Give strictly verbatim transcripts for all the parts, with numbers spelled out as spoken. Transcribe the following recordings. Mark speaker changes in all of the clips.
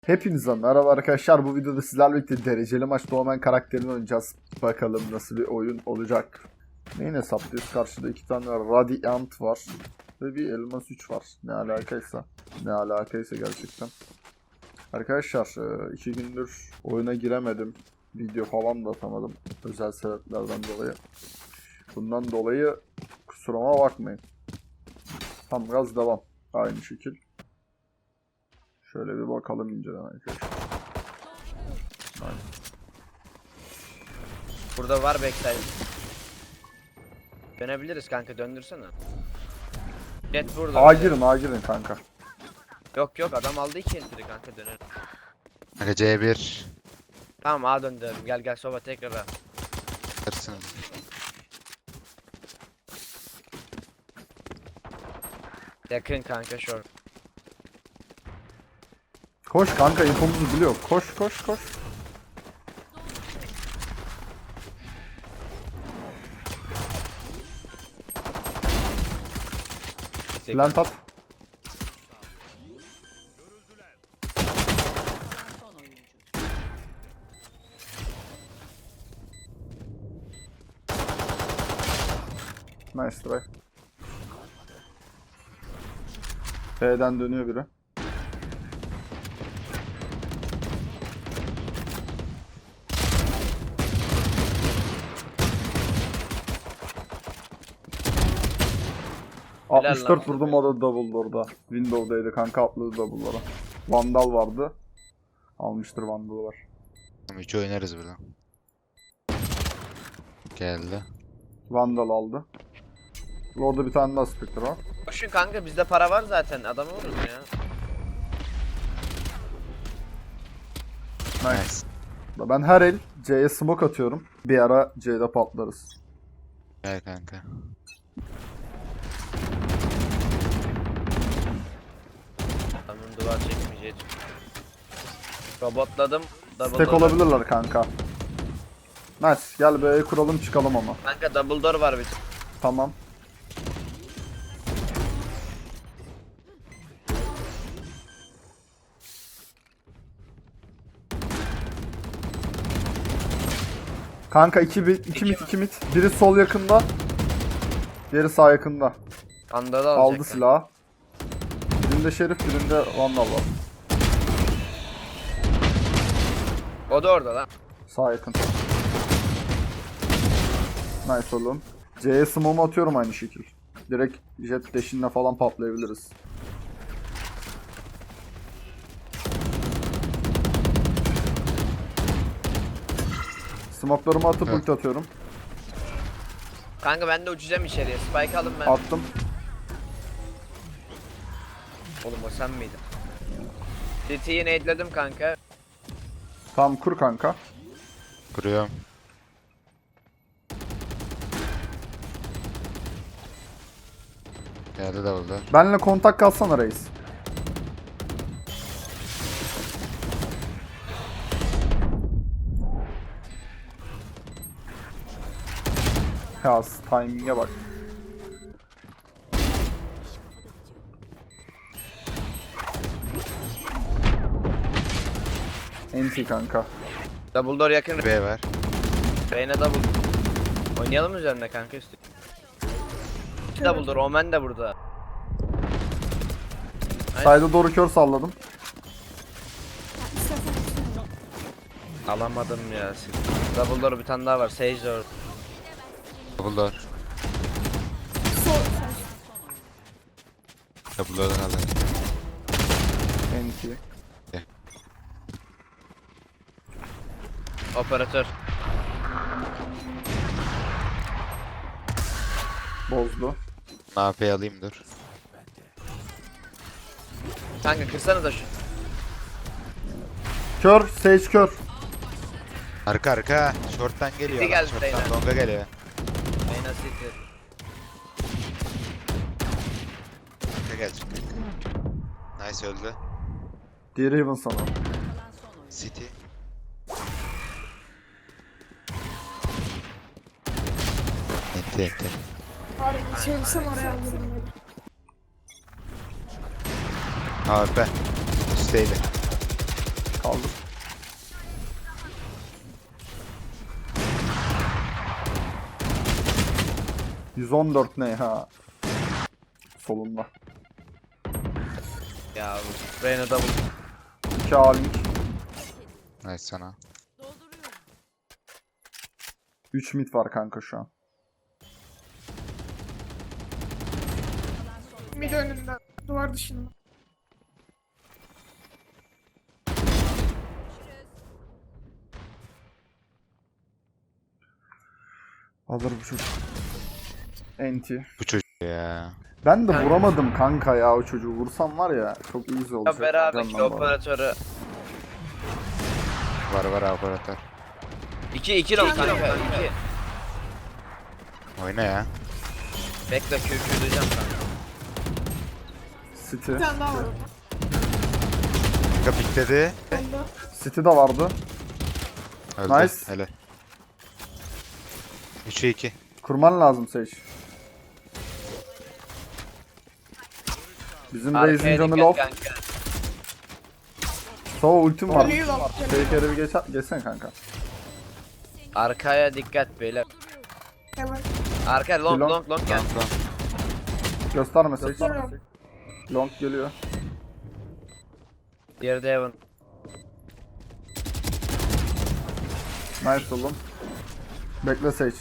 Speaker 1: Hepinize merhaba arkadaşlar. Bu videoda sizlerle birlikte dereceli maç Doğumen karakterini oynayacağız. Bakalım nasıl bir oyun olacak. Neyin hesaplıyoruz? Karşıda iki tane Radiant var. Ve bir Elmas üç var. Ne alakaysa. Ne alakaysa gerçekten. Arkadaşlar iki gündür oyuna giremedim. Video falan da atamadım. Özel sebeplerden dolayı. Bundan dolayı kusuruma bakmayın. Tam gaz devam. Aynı şekil. Şöyle bir bakalım inceden arkadaşlar. Aynen.
Speaker 2: Burada var backside. Dönebiliriz kanka, döndürsene. Jet burada.
Speaker 1: A girin, A girin kanka.
Speaker 2: Yok yok, adam aldı iki entry kanka, dönelim.
Speaker 3: Kanka C bir.
Speaker 2: Tamam, A döndürelim, gel gel soba tekrar A.
Speaker 3: Hırsın.
Speaker 2: Yakın kanka short.
Speaker 1: Koş kanka, infomuzu biliyor. Koş koş koş. Plant at. Nice try. B'den dönüyor biri. altmış dört
Speaker 2: lan.
Speaker 1: vurdum, o da double orada. Window'daydı kanka, atladı double'lara. Vandal vardı. Almıştır Vandal'ı var.
Speaker 3: Tamam, üç oynarız burada. Geldi.
Speaker 1: Vandal aldı. Orada bir tane daha Spectre var.
Speaker 2: Koşun kanka, bizde para var zaten, adamı vururuz ya.
Speaker 1: Nice.
Speaker 3: Nice.
Speaker 1: Ben her el C'ye smoke atıyorum. Bir ara C'de patlarız.
Speaker 3: Gel kanka.
Speaker 2: Adamın duvar çekmeyeceği. Robotladım. Double
Speaker 1: Stack
Speaker 2: door.
Speaker 1: olabilirler kanka. Nice. Gel B'ye kuralım çıkalım ama.
Speaker 2: Kanka double door var bir.
Speaker 1: Tamam. Kanka iki bit, iki mit, iki mit. Biri sol yakında. Diğeri sağ yakında.
Speaker 2: Andalı alacak.
Speaker 1: Aldı
Speaker 2: kanka.
Speaker 1: silahı. Birinde Şerif, birinde Vandal var.
Speaker 2: O da orada lan.
Speaker 1: Sağ yakın. Nice oğlum. C'ye smoke'u atıyorum aynı şekil. Direkt jet dash'inle falan patlayabiliriz. Smoke'larımı atıp
Speaker 3: Evet.
Speaker 1: ulti atıyorum.
Speaker 2: Kanka ben de uçacağım içeriye. Spike alın ben.
Speaker 1: Attım.
Speaker 2: Oğlum o sen miydin? City'yi nade'ledim kanka.
Speaker 1: Tamam kur kanka.
Speaker 3: Kuruyorum. Geldi davulda.
Speaker 1: Benle kontak kalsana reis. Ya timing'e bak. Enti kanka.
Speaker 2: Double door yakın.
Speaker 3: B var.
Speaker 2: Reyna double. Oynayalım üzerine kanka üstü. İki double door. Omen de burada.
Speaker 1: Side'a doğru kör salladım.
Speaker 2: Alamadım ya. Double door bir tane daha var. Sage door.
Speaker 3: Double door. Double door'dan aldım.
Speaker 1: Enti.
Speaker 2: Operatör.
Speaker 1: Bozdu.
Speaker 3: A P alayım dur.
Speaker 2: Kanka kırsana da şu.
Speaker 1: Kör, Sage kör.
Speaker 3: Arka arka. Short'tan geliyor.
Speaker 2: City
Speaker 3: adam,
Speaker 2: geldi
Speaker 3: Short'tan
Speaker 2: beyler.
Speaker 3: longa geliyor.
Speaker 2: Reyna City.
Speaker 3: Arka gelecek. Nice öldü.
Speaker 1: Diğeri Heaven sana.
Speaker 3: City. Enti enti.
Speaker 4: Abi çevirsem oraya alırım.
Speaker 3: A P. Üstteydi.
Speaker 1: Kaldır. yüz on dört ne ha? Solunda.
Speaker 2: Ya Reyna double.
Speaker 1: iki A-Link.
Speaker 3: Nice sana.
Speaker 1: üç mid var kanka şu an.
Speaker 4: Mid önünde. Duvar dışında.
Speaker 1: Alır bu çocuk. Enti.
Speaker 3: Bu çocuk ya.
Speaker 1: Ben de vuramadım kanka ya o çocuğu. Vursam var ya çok easy olacak.
Speaker 2: Ya beraber ki
Speaker 1: Candan bana.
Speaker 2: operatörü.
Speaker 3: Var var operatör.
Speaker 2: iki iki long kanka. iki.
Speaker 3: Oyna ya.
Speaker 2: Bekle Q Q diyeceğim kanka.
Speaker 1: City.
Speaker 4: Bir tane daha var orada.
Speaker 3: Kanka pikledi.
Speaker 4: Bende.
Speaker 1: City de vardı.
Speaker 3: Öldü.
Speaker 1: Nice.
Speaker 3: Hele. üçe iki.
Speaker 1: Kurman lazım Sage. Bizim Raze'in
Speaker 2: Arkaya
Speaker 1: canı
Speaker 2: dikkat
Speaker 1: low.
Speaker 2: kanka.
Speaker 1: Sova ultim var.
Speaker 4: Ölüyü lan.
Speaker 1: Fake'e bir geç geçsene kanka.
Speaker 2: Arkaya dikkat beyler.
Speaker 4: Hemen.
Speaker 2: Arka long
Speaker 1: Long.
Speaker 2: long long gel.
Speaker 3: Tamam tamam.
Speaker 1: Gösterme Sage.
Speaker 4: Gösteriyorum.
Speaker 1: Long geliyor.
Speaker 2: Diğeri de Heaven.
Speaker 1: Nice oğlum. Bekle Sage.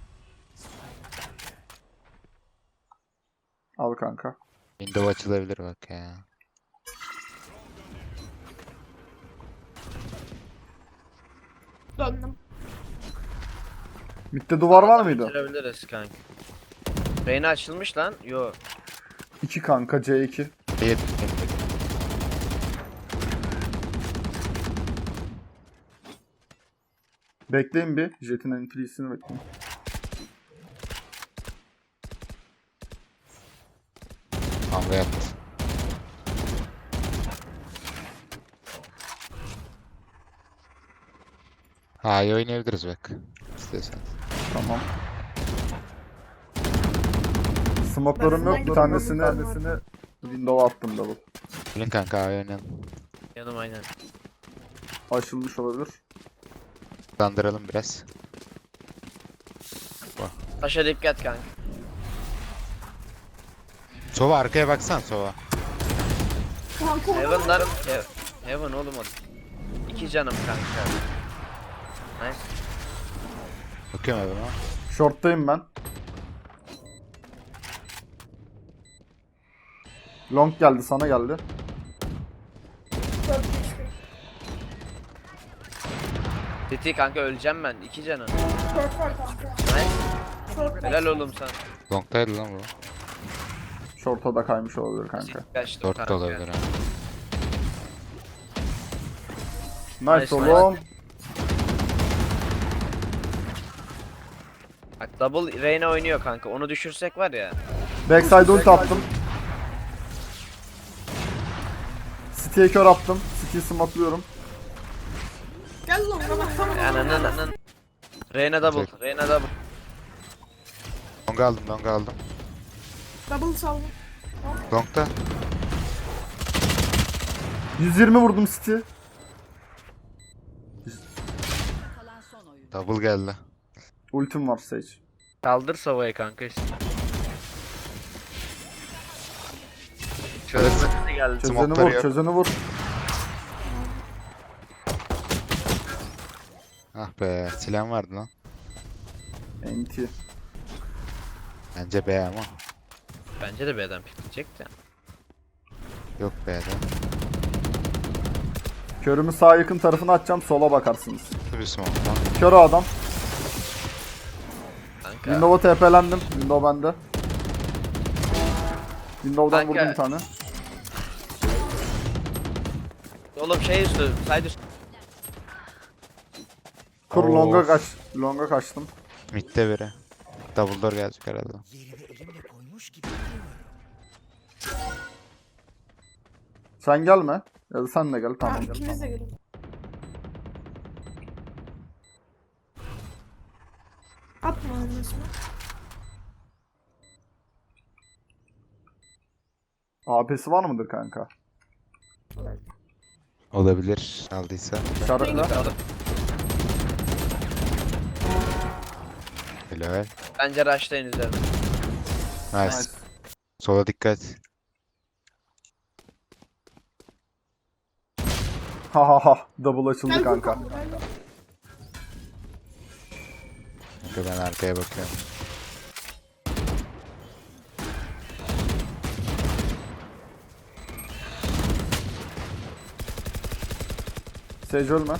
Speaker 1: Al kanka.
Speaker 3: Window açılabilir bak ya.
Speaker 4: Döndüm.
Speaker 1: Mid'de duvar var mıydı?
Speaker 2: Bitirebiliriz kanka. Reyna açılmış lan. Yo.
Speaker 1: iki kanka C iki.
Speaker 3: Değil.
Speaker 1: Bekleyin bir. Jet'in entry'sini bekleyin.
Speaker 3: Kavga yaptı. Ha iyi oynayabiliriz bak. İstiyorsan.
Speaker 1: Tamam. Smoke'larım yok. Bir tanesini, tanesini window'a attım double.
Speaker 3: Bilin kanka abi oynayalım.
Speaker 2: Yanım aynen.
Speaker 1: Açılmış olabilir.
Speaker 3: Dandıralım biraz.
Speaker 2: Taşa dikkat kanka.
Speaker 3: Sova arkaya baksan Sova.
Speaker 4: Kanka orada.
Speaker 2: Heaven'lar He- Heaven oğlum o. İki canım kanka. Nice.
Speaker 3: Bakıyorum abi ama.
Speaker 1: Short'tayım ben. Long geldi, sana geldi.
Speaker 4: Dört geçti.
Speaker 2: Titi kanka öleceğim ben. İki canım.
Speaker 4: Dört var kanka.
Speaker 2: Nice.
Speaker 4: Short var.
Speaker 2: Helal oğlum sana.
Speaker 3: Long'taydı lan bu.
Speaker 1: Short'a da kaymış olabilir kanka.
Speaker 2: Kaçtım
Speaker 3: Dört de
Speaker 2: kanka.
Speaker 3: olabilir abi.
Speaker 1: Nice,
Speaker 2: Nice,
Speaker 1: oğlum.
Speaker 2: Bak double Reyna oynuyor kanka. Onu düşürsek var ya.
Speaker 1: Backside ult attım. City'ye kör attım. City'yi smoke'luyorum.
Speaker 4: Gel lan bana bak tamam.
Speaker 2: Ananın ananın. Reyna double.
Speaker 3: Çek.
Speaker 2: Reyna double.
Speaker 3: Long aldım long aldım.
Speaker 4: Double saldım.
Speaker 3: Long'ta.
Speaker 1: yüz yirmi vurdum City.
Speaker 3: Double geldi.
Speaker 1: Ultim var Sage.
Speaker 2: Kaldır Sova'yı kanka işte.
Speaker 3: Şöyle
Speaker 2: Çözümü geldi.
Speaker 1: Çözeni
Speaker 3: Smoke'ları
Speaker 1: vur,
Speaker 3: yok.
Speaker 1: çözeni vur.
Speaker 3: Ah be silahım vardı lan.
Speaker 1: Enti.
Speaker 3: Bence B ama.
Speaker 2: Bence de B'den pikleyecek de.
Speaker 3: Yok B'de.
Speaker 1: Körümü sağ yakın tarafına atacağım, sola bakarsınız.
Speaker 3: Bir smoke lan.
Speaker 1: Kör o adam.
Speaker 2: Kanka.
Speaker 1: Window'a TP'lendim. Window bende. Window'dan
Speaker 2: Kanka.
Speaker 1: vurdum bir tane.
Speaker 2: Oğlum şey üstü. Side üstü.
Speaker 1: Kur
Speaker 3: Of.
Speaker 1: longa kaç. Longa kaçtım.
Speaker 3: Mid'de biri. Double door gelecek herhalde.
Speaker 1: Sen gelme. Ya da sen de gel. Tamam.
Speaker 4: Tamam
Speaker 1: Gel,
Speaker 4: ikimiz de
Speaker 1: tamam.
Speaker 4: gelin. Atma anlaşma.
Speaker 1: A P'si var mıdır kanka?
Speaker 3: Olabilir. Aldıysa.
Speaker 1: İşaretle.
Speaker 3: Helal.
Speaker 2: Bence rushlayın üzerine.
Speaker 3: Nice.
Speaker 1: Nice.
Speaker 3: Sola dikkat.
Speaker 1: Ha ha ha. Double açıldı
Speaker 4: Gel
Speaker 1: kanka.
Speaker 4: Furkan, gel.
Speaker 3: Kanka ben arkaya bakıyorum.
Speaker 1: Sage ölme.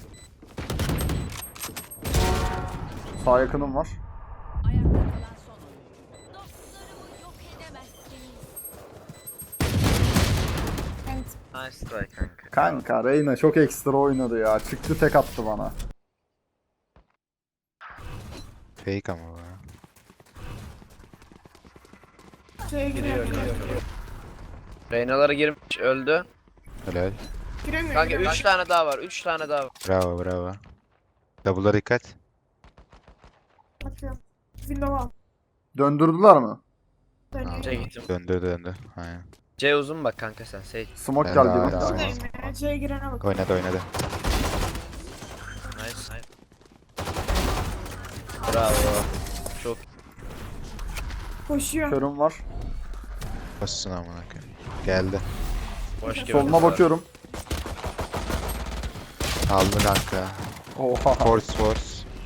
Speaker 1: Sağ yakınım var.
Speaker 5: Ayakta kalan son oyun. Dostlarımı yok edemezsiniz.
Speaker 4: Evet.
Speaker 2: Nice try kanka.
Speaker 1: Kanka Reyna çok ekstra oynadı ya. Çıktı tek attı bana.
Speaker 3: Fake ama bu.
Speaker 4: Şeye
Speaker 2: Giriyor
Speaker 4: giriyor.
Speaker 2: giriyor. giriyor. Reynaları girmiş öldü.
Speaker 3: Helal.
Speaker 4: Giremiyor.
Speaker 2: Kanka
Speaker 4: giremiyor.
Speaker 2: üç tane daha var. üç tane daha var.
Speaker 3: Bravo bravo. Double'a dikkat.
Speaker 4: Bakıyorum. Window al.
Speaker 1: Döndürdüler mi?
Speaker 4: Dönüyor.
Speaker 2: C gittim.
Speaker 3: Döndü döndü. Aynen.
Speaker 2: C uzun bak kanka sen. Sage.
Speaker 1: Smoke
Speaker 3: Ben
Speaker 1: geldi.
Speaker 3: daha-
Speaker 1: bir.
Speaker 3: daha-
Speaker 4: Buradayım ya. C'ye girene bak.
Speaker 3: Oynadı oynadı.
Speaker 2: Nice nice. Bravo. Çok
Speaker 4: Koşuyor.
Speaker 1: Körüm var.
Speaker 3: Basın amına koyayım. Geldi.
Speaker 2: boş gibi.
Speaker 1: Soluna bakıyorum.
Speaker 3: Aldı kanka.
Speaker 1: Oha.
Speaker 3: Force force.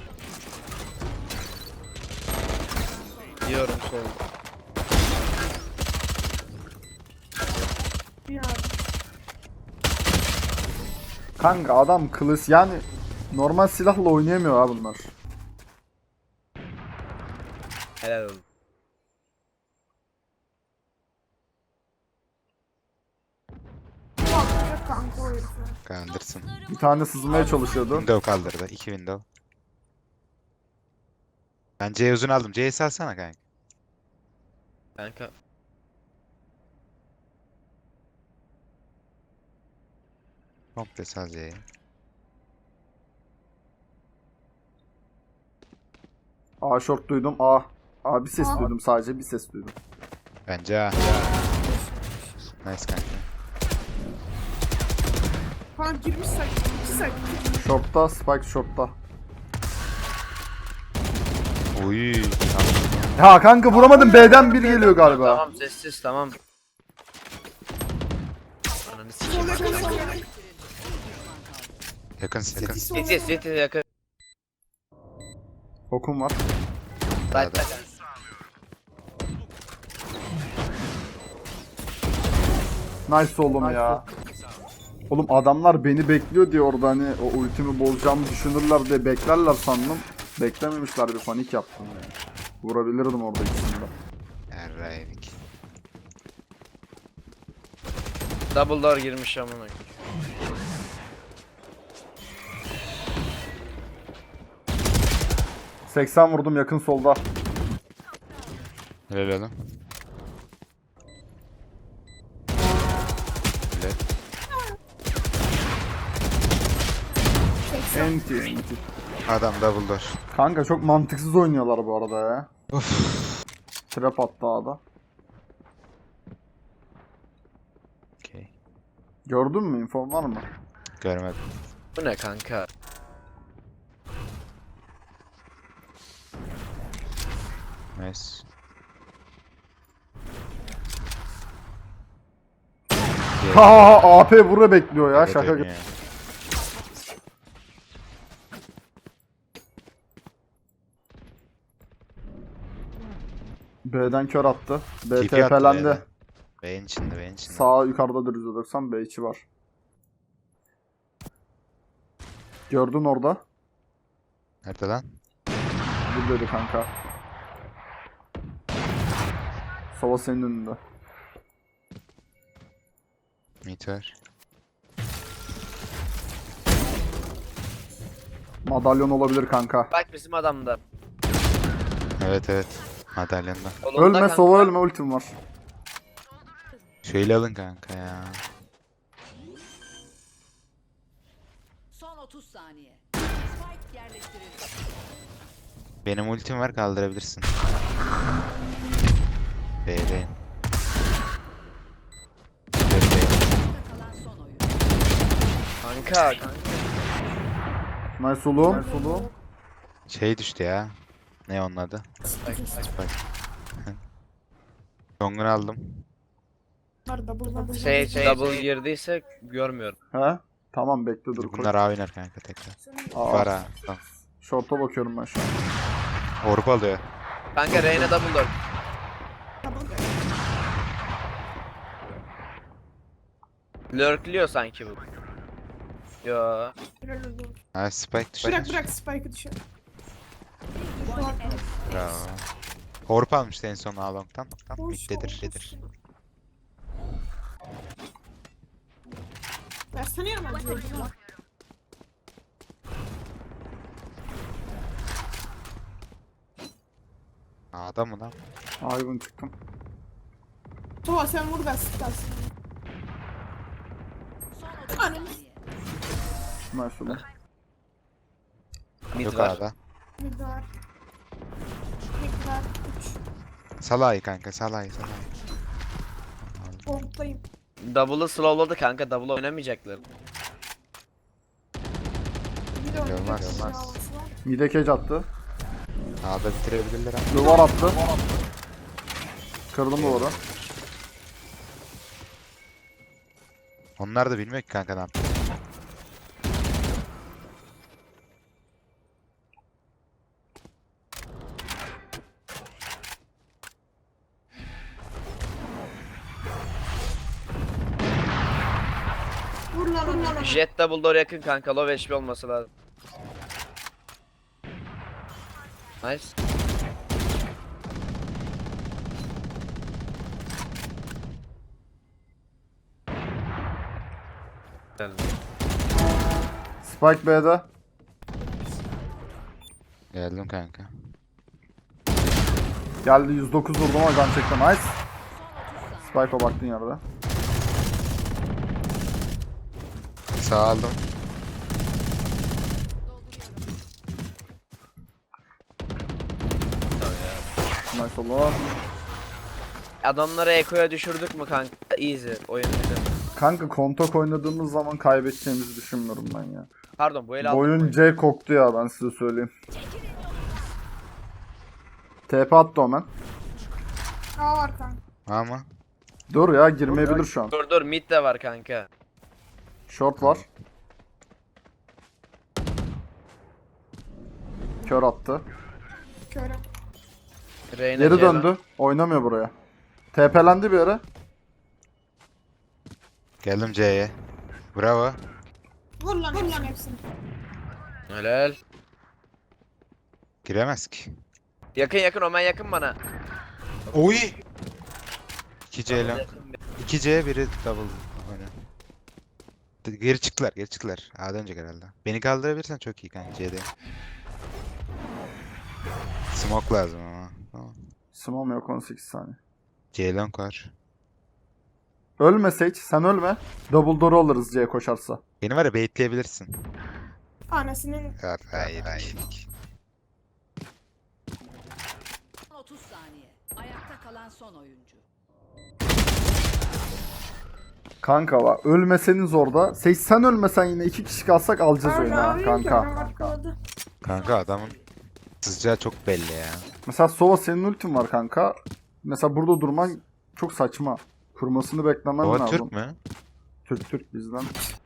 Speaker 2: Diyorum sol.
Speaker 4: Bir abi.
Speaker 1: Kanka adam kılıç yani normal silahla oynayamıyor ha bunlar.
Speaker 2: Helal olsun.
Speaker 4: Bu atlayacak kanka o herifi.
Speaker 3: Kandırsın.
Speaker 1: Bir tane sızmaya çalışıyordu.
Speaker 3: Window kaldırdı. İki window. Ben C uzun aldım. C'yi salsana kanka.
Speaker 2: Kanka.
Speaker 3: Komple sal C'yi.
Speaker 1: A short duydum. A. A bir ses
Speaker 4: A.
Speaker 1: duydum sadece bir ses duydum.
Speaker 3: Bence A. Nice kanka.
Speaker 4: Kanka girmiş sak. İki sak.
Speaker 1: Short'ta Spike short'ta.
Speaker 3: Oy.
Speaker 1: Ya kanka vuramadım B'den bir geliyor galiba.
Speaker 2: Tamam sessiz tamam. Ananı
Speaker 4: Sol
Speaker 2: sikeyim.
Speaker 4: yakın sol yakın.
Speaker 3: Yakın yakın.
Speaker 4: Sol
Speaker 2: City
Speaker 4: yakın.
Speaker 2: city yakın.
Speaker 1: Okum var.
Speaker 2: Zaten.
Speaker 1: Nice oğlum ya. Oğlum adamlar beni bekliyor diye orada hani o ultimi bozacağımı düşünürler diye beklerler sandım. Beklememişler bir panik yaptım yani. Vurabilirdim orada ikisini de.
Speaker 3: Yarraydık.
Speaker 2: Double door girmiş amına koyayım.
Speaker 1: seksen vurdum yakın solda.
Speaker 3: Helal oğlum. Helal.
Speaker 1: Enti enti.
Speaker 3: Adam double door.
Speaker 1: Kanka çok mantıksız oynuyorlar bu arada ya. Trap attı A'da.
Speaker 3: Okey.
Speaker 1: Gördün mü? İnfom var mı?
Speaker 3: Görmedim.
Speaker 2: Bu ne kanka?
Speaker 3: Nice.
Speaker 1: Ha A P burada bekliyor ya
Speaker 3: Evet,
Speaker 1: şaka gibi.
Speaker 3: oynuyor.
Speaker 1: B'den kör attı. B
Speaker 3: T P attı
Speaker 1: TP'lendi.
Speaker 3: B'den. B'nin içinde B'nin içinde.
Speaker 1: Sağ yukarıda yüz doksan B içi var. Gördün orada.
Speaker 3: Nerede lan?
Speaker 1: Buradaydı kanka. Sova senin önünde.
Speaker 3: Meteor.
Speaker 1: Madalyon olabilir kanka.
Speaker 2: Bak bizim adamda.
Speaker 3: Evet evet. Madalyonda.
Speaker 2: Solunda
Speaker 1: Ölme
Speaker 2: kanka.
Speaker 1: Sova ölme ultim var.
Speaker 3: Şöyle alın kanka ya.
Speaker 5: Son otuz saniye. Spike yerleştirildi.
Speaker 3: Benim ultim var kaldırabilirsin. B'deyim. B'deyim.
Speaker 5: Ayakta kalan son oyun.
Speaker 2: Kanka kanka.
Speaker 1: Nice oğlum. Nice oğlum.
Speaker 3: Şey düştü ya. Ne onun adı? Bak. Dongunu aldım.
Speaker 4: Bunlar double double.
Speaker 2: Şey, şey double girdiyse görmüyorum.
Speaker 1: He? Tamam bekle dur. koy.
Speaker 3: Bunlar A oynar kanka tekrar.
Speaker 1: Aa,
Speaker 3: Var ha. Tamam.
Speaker 1: Short'a bakıyorum ben şu an.
Speaker 3: Orb alıyor.
Speaker 2: Kanka Reyna double door.
Speaker 4: Double.
Speaker 2: Lurkliyor sanki bu. Yo.
Speaker 4: Helal olsun.
Speaker 3: Ha spike düştü.
Speaker 4: Bırak bırak spike'ı düşür.
Speaker 3: Bravo. Orb almıştı en son A-Long'tan. Tamam
Speaker 4: Hoş
Speaker 3: middedir.
Speaker 4: olmuş.
Speaker 3: Dedir.
Speaker 4: Versene ya ben diyorum.
Speaker 3: A'da mı lan?
Speaker 1: Hayvan çıktım.
Speaker 4: Tova sen vur ben sıkarsın.
Speaker 5: Son otuz
Speaker 4: Anam.
Speaker 5: saniye.
Speaker 1: Nice oğlum.
Speaker 2: Mid
Speaker 3: Yok
Speaker 2: var.
Speaker 3: A'da.
Speaker 4: Bir var. Bir var. Üç.
Speaker 3: Salay kanka salay salay.
Speaker 4: Bombdayım.
Speaker 2: Double'ı slowladı kanka. Double oynamayacaklar.
Speaker 4: Bir de oynayacak.
Speaker 3: Olmaz,
Speaker 4: bir
Speaker 3: olmaz.
Speaker 4: havası var.
Speaker 1: Mide cage attı.
Speaker 3: A'da bitirebilirler ama.
Speaker 1: Duvar attı. Kırdım duvarı.
Speaker 3: Onlar da bilmiyor ki kanka ne yapıyor.
Speaker 4: Vur lan vur lan.
Speaker 2: Jet double door yakın kanka. Low H P olması lazım. Nice. Geldi.
Speaker 1: Spike B'de.
Speaker 3: Geldim kanka.
Speaker 1: Geldi yüz dokuz vurdum ama can çekti. Nice.
Speaker 5: Son otuz saniye.
Speaker 1: Spike'a baktın yerde.
Speaker 3: Sağ aldım.
Speaker 1: Nice oğlum.
Speaker 2: Adamları Eko'ya düşürdük mü kanka? Easy. Oyun bitti.
Speaker 1: Kanka kontak oynadığımız zaman kaybedeceğimizi düşünmüyorum ben ya.
Speaker 2: Pardon bu el
Speaker 1: Bu
Speaker 2: aldık.
Speaker 1: oyun C koktu ya ben size söyleyeyim. T P attı Omen.
Speaker 4: A var kanka.
Speaker 3: Ama.
Speaker 1: Dur ya girmeyebilir şu an.
Speaker 2: Dur dur mid de var kanka.
Speaker 1: Short var. Kör attı.
Speaker 4: Körüm.
Speaker 2: Reyna
Speaker 1: Geri
Speaker 2: C'den.
Speaker 1: döndü. Oynamıyor buraya. T P'lendi bir yere.
Speaker 3: Geldim C'ye. Bravo.
Speaker 4: Vur lan vur lan hepsini.
Speaker 2: Helal.
Speaker 3: Giremez ki.
Speaker 2: Yakın yakın Omen yakın bana.
Speaker 3: Oy. iki C lan. iki C biri double. Öyle. Geri çıktılar, geri çıktılar. A'dan önce herhalde. Beni kaldırabilirsen çok iyi kanka C'de. Smoke lazım ama. Tamam.
Speaker 1: Smom yok on sekiz saniye.
Speaker 3: C long var.
Speaker 1: Ölme Sage, sen ölme. Double door alırız C'ye koşarsa.
Speaker 3: Beni var ya baitleyebilirsin.
Speaker 4: Annesinin
Speaker 3: Hayır, hayır, hayır.
Speaker 5: Son otuz saniye. Ayakta kalan son oyuncu.
Speaker 1: Kanka var. Ölmeseniz orada. Sage sen ölmesen yine iki kişi kalsak alacağız oyunu ha,
Speaker 4: Abi,
Speaker 1: kanka.
Speaker 4: körüm arkaladı.
Speaker 3: Kanka adamın sızacağı çok belli ya.
Speaker 1: Mesela Sova senin ultin var kanka. Mesela burada durman çok saçma. Kurmasını beklemen
Speaker 3: Baba
Speaker 1: lazım.
Speaker 3: Türk mü?
Speaker 1: Türk Türk bizden.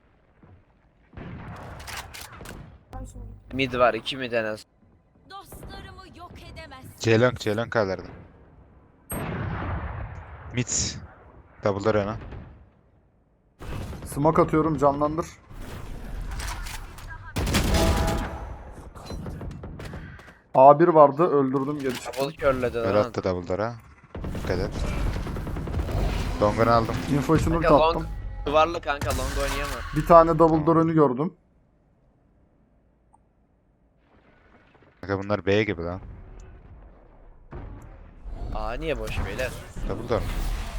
Speaker 4: Ay, sonra.
Speaker 2: Mid var iki mid en az.
Speaker 5: Dostlarımı yok edemezsin.
Speaker 3: C long, C long kaldırdım. Mid. Double'lar öne.
Speaker 1: Smoke atıyorum canlandır. A bir vardı öldürdüm geri çıktım.
Speaker 2: Double körledi
Speaker 3: Böyle
Speaker 2: lan.
Speaker 3: attı double'lara. Dikkat et. Dongunu aldım.
Speaker 1: Info için ulti
Speaker 2: Kanka long
Speaker 1: attım.
Speaker 2: duvarlı kanka long oynayamaz.
Speaker 1: Bir tane double door önü gördüm.
Speaker 3: Kanka bunlar B gibi lan.
Speaker 2: Aa niye boş beyler?
Speaker 3: Double door.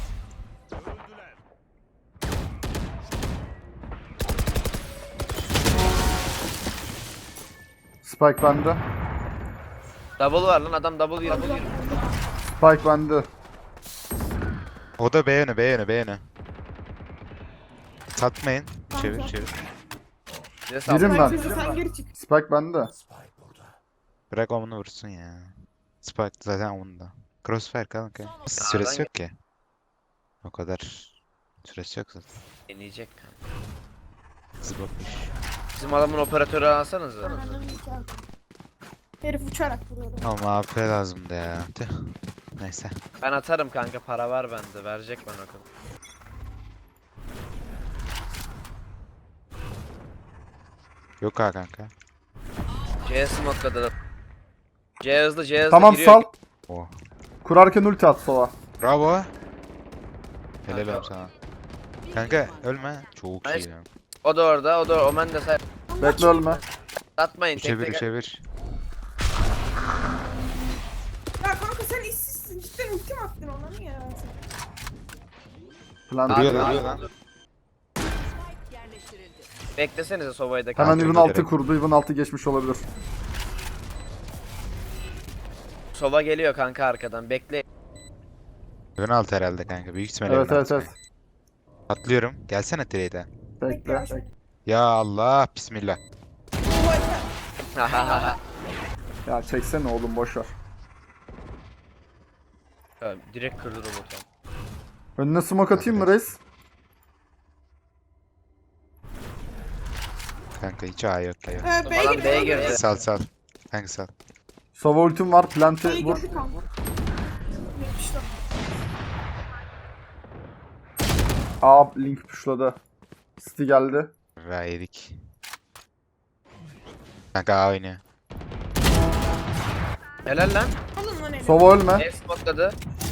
Speaker 1: Spike bende.
Speaker 2: Double var lan adam double girdi. Double girdi.
Speaker 1: Spike bende.
Speaker 3: O da B yönü, B yönü, B yönü. Satmayın. Çevir,
Speaker 4: Kanka.
Speaker 3: çevir.
Speaker 2: Bize sal.
Speaker 1: Birim ben.
Speaker 4: Herkese sen geri çık.
Speaker 1: Spike bende.
Speaker 3: Bırak omunu vursun ya. Spike zaten omunda. Crossfire kanka. Süresi yok ki. O kadar süresi yok zaten.
Speaker 2: Deneyecek kanka.
Speaker 3: Hızlı bakmış.
Speaker 2: Bizim adamın operatörü alsanıza.
Speaker 4: Ananı nikahı. Herif uçarak vuruyor.
Speaker 3: Ama A P lazımdı ya. Tüh. Neyse.
Speaker 2: Ben atarım kanka, para var bende. Verecek bana o kadar.
Speaker 3: Yok ha kanka.
Speaker 2: C smoke'ladı. C hızlı, C hızlı
Speaker 1: Tamam
Speaker 2: giriyor.
Speaker 1: sal.
Speaker 3: Oh.
Speaker 1: Kurarken ulti at sola.
Speaker 3: Bravo. Helal
Speaker 2: Kanka.
Speaker 3: olsun sana. Kanka ölme. Çok
Speaker 2: Nice.
Speaker 3: iyi ya.
Speaker 2: O da orada, o da Omen de say.
Speaker 1: Bekle ölme.
Speaker 2: Atmayın tek
Speaker 3: Çevir
Speaker 2: tek.
Speaker 3: çevir.
Speaker 4: Ya kanka sen işsizsin. Cidden ulti mi attın ona? Niye ya?
Speaker 1: Plan
Speaker 3: Duruyor
Speaker 2: Abi,
Speaker 3: lan
Speaker 2: abi.
Speaker 3: duruyor lan.
Speaker 5: Yerleştirildi.
Speaker 2: Beklesenize Sova'yı da
Speaker 1: Hemen
Speaker 2: kanka.
Speaker 1: Even
Speaker 3: Gerek
Speaker 1: altı
Speaker 3: yok.
Speaker 1: kurdu. Even altı geçmiş olabilir.
Speaker 2: Sova geliyor kanka arkadan. Bekle.
Speaker 3: Ön alt herhalde kanka. Büyük ihtimalle
Speaker 1: Evet
Speaker 3: ön
Speaker 1: evet
Speaker 3: alt
Speaker 1: evet.
Speaker 3: kanka. Atlıyorum. Gelsene trade'e.
Speaker 1: Bekle.
Speaker 3: Ya Allah. Bismillah.
Speaker 1: Ya çeksene oğlum boşver.
Speaker 2: Tamam, direkt kırdı robotu.
Speaker 1: Önüne smoke atayım mı reis?
Speaker 3: Kanka hiç A yok ya.
Speaker 4: Ee, B'ye
Speaker 2: Adam
Speaker 4: girdi.
Speaker 2: B'ye girdi.
Speaker 3: Sal sal. Kanka sal.
Speaker 1: Sova ultim var. Plant'i
Speaker 4: B'ye
Speaker 1: vur.
Speaker 4: girdi kanka. yetmişler.
Speaker 1: A link pushladı. City geldi.
Speaker 3: Ve yedik. Kanka A oynuyor.
Speaker 2: Helal lan.
Speaker 4: Alın lan eli.
Speaker 1: Sova ölme.
Speaker 2: C smoke'ladı.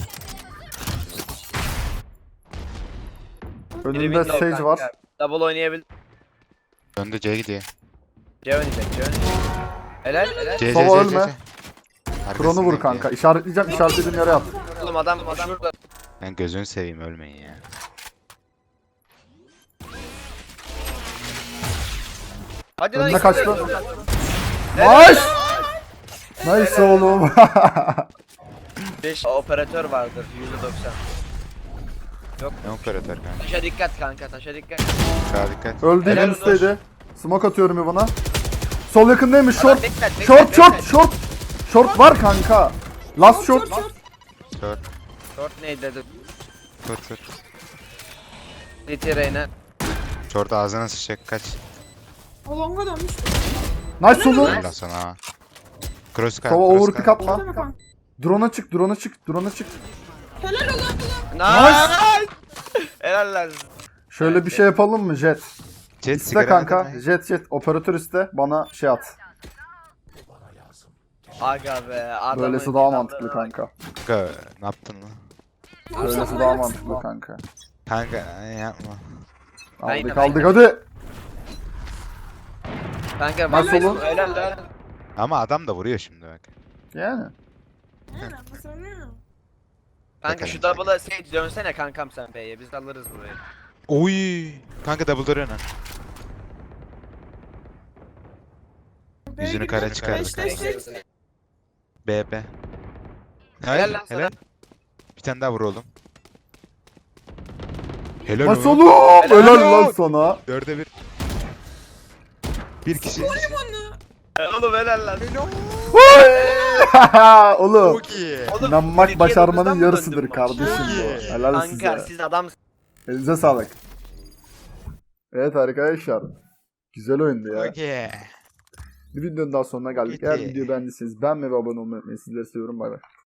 Speaker 2: Biri
Speaker 1: Önünde
Speaker 2: window
Speaker 1: Sage
Speaker 2: kanka.
Speaker 1: var.
Speaker 2: Double oynayabil.
Speaker 3: Döndü C gidiyor.
Speaker 2: C oynayacak, C oynayacak. Helal, helal.
Speaker 3: C C
Speaker 1: Sova
Speaker 3: C C.
Speaker 1: ölme. Krono vur kanka. İşaretleyeceğim. İşaretlediğim yere at.
Speaker 2: Oğlum adam şurada.
Speaker 3: Ben gözünü seveyim ölmeyin ya.
Speaker 2: Hadi lan.
Speaker 1: Önüne
Speaker 2: ikisi de-
Speaker 1: kaçtı. Nice. Nice oğlum.
Speaker 2: beş operatör vardır yüzde doksan.
Speaker 3: Ne operatör kanka.
Speaker 2: Taşa dikkat kanka, taşa dikkat.
Speaker 3: Sağa dikkat.
Speaker 1: Öldü
Speaker 2: Helal
Speaker 1: en
Speaker 2: olsun.
Speaker 1: üstteydi. Smoke atıyorum Ivan'a. Sol yakındaymış.
Speaker 2: Adam
Speaker 1: Short.
Speaker 2: dikkat, dikkat,
Speaker 1: Short
Speaker 2: dikkat.
Speaker 1: short short. Short var kanka. Last short.
Speaker 3: Short.
Speaker 2: Short neydi dedi.
Speaker 3: Short short.
Speaker 2: City Reyna.
Speaker 3: Short ağzına sıçacak kaç.
Speaker 4: O longa dönmüş.
Speaker 1: Nice oğlum.
Speaker 3: Ondan sonra ha. Cross kal.
Speaker 1: Sova
Speaker 3: cross
Speaker 1: overpick
Speaker 3: kal.
Speaker 1: atma.
Speaker 4: Değil mi kanka?
Speaker 1: Drone'a çık, drone'a çık, drone'a çık.
Speaker 4: Helal ulan ulan.
Speaker 2: Nice. Helal lan.
Speaker 1: Şöyle bir şey yapalım mı Jet?
Speaker 3: Jet
Speaker 1: İste
Speaker 3: sigara
Speaker 1: kanka.
Speaker 3: verme.
Speaker 1: Jet jet operatör iste. Bana şey at.
Speaker 2: Aga be. Adamın
Speaker 1: Böylesi daha mantıklı kanka.
Speaker 3: Kanka ne yaptın lan?
Speaker 1: Böylesi daha mantıklı kanka.
Speaker 3: Kanka ay, yapma.
Speaker 2: Aynen,
Speaker 1: Aldık aldık
Speaker 2: aynen.
Speaker 1: hadi.
Speaker 2: Kanka
Speaker 1: Nasıl
Speaker 2: bak-
Speaker 1: oğlum?
Speaker 2: Helal lan.
Speaker 3: Ama adam da vuruyor şimdi bak.
Speaker 1: Yani.
Speaker 4: Ne mesela ne?
Speaker 2: Kanka şu double'a Sage dönsene kankam sen B'ye. Biz alırız burayı.
Speaker 3: Oy. Kanka double door önen.
Speaker 4: B'ye
Speaker 3: Yüzünü
Speaker 4: girdi.
Speaker 3: kara çıkardı
Speaker 4: Beş, beş,
Speaker 3: kanka.
Speaker 4: beş.
Speaker 3: B B.
Speaker 2: Helal
Speaker 3: Helal
Speaker 2: lan sana.
Speaker 3: helal. Bir tane daha vur oğlum. Helal
Speaker 1: Nasıl
Speaker 3: oğlum.
Speaker 1: oğlum?
Speaker 2: Helal
Speaker 1: Helal lan
Speaker 3: olsun.
Speaker 1: sana.
Speaker 3: Dörde bir. Bir kişi.
Speaker 2: Oğlum helal lan.
Speaker 1: Oğlum.
Speaker 3: Çok iyi.
Speaker 2: Oğlum,
Speaker 1: İnanmak
Speaker 2: ikiye
Speaker 1: başarmanın
Speaker 2: dokuzdan mı
Speaker 1: yarısıdır
Speaker 2: döndün
Speaker 1: kardeşim
Speaker 3: Çok iyi.
Speaker 1: bu. Helal
Speaker 2: Kanka
Speaker 1: size.
Speaker 2: siz adam
Speaker 1: Elinize sağlık. Evet arkadaşlar. Güzel oyundu ya.
Speaker 3: Çok iyi.
Speaker 1: Bir videonun daha sonuna geldik. Eğer
Speaker 3: Peki.
Speaker 1: videoyu beğendiyseniz beğenmeyi ve abone olmayı unutmayın. Sizleri seviyorum. Bay bay.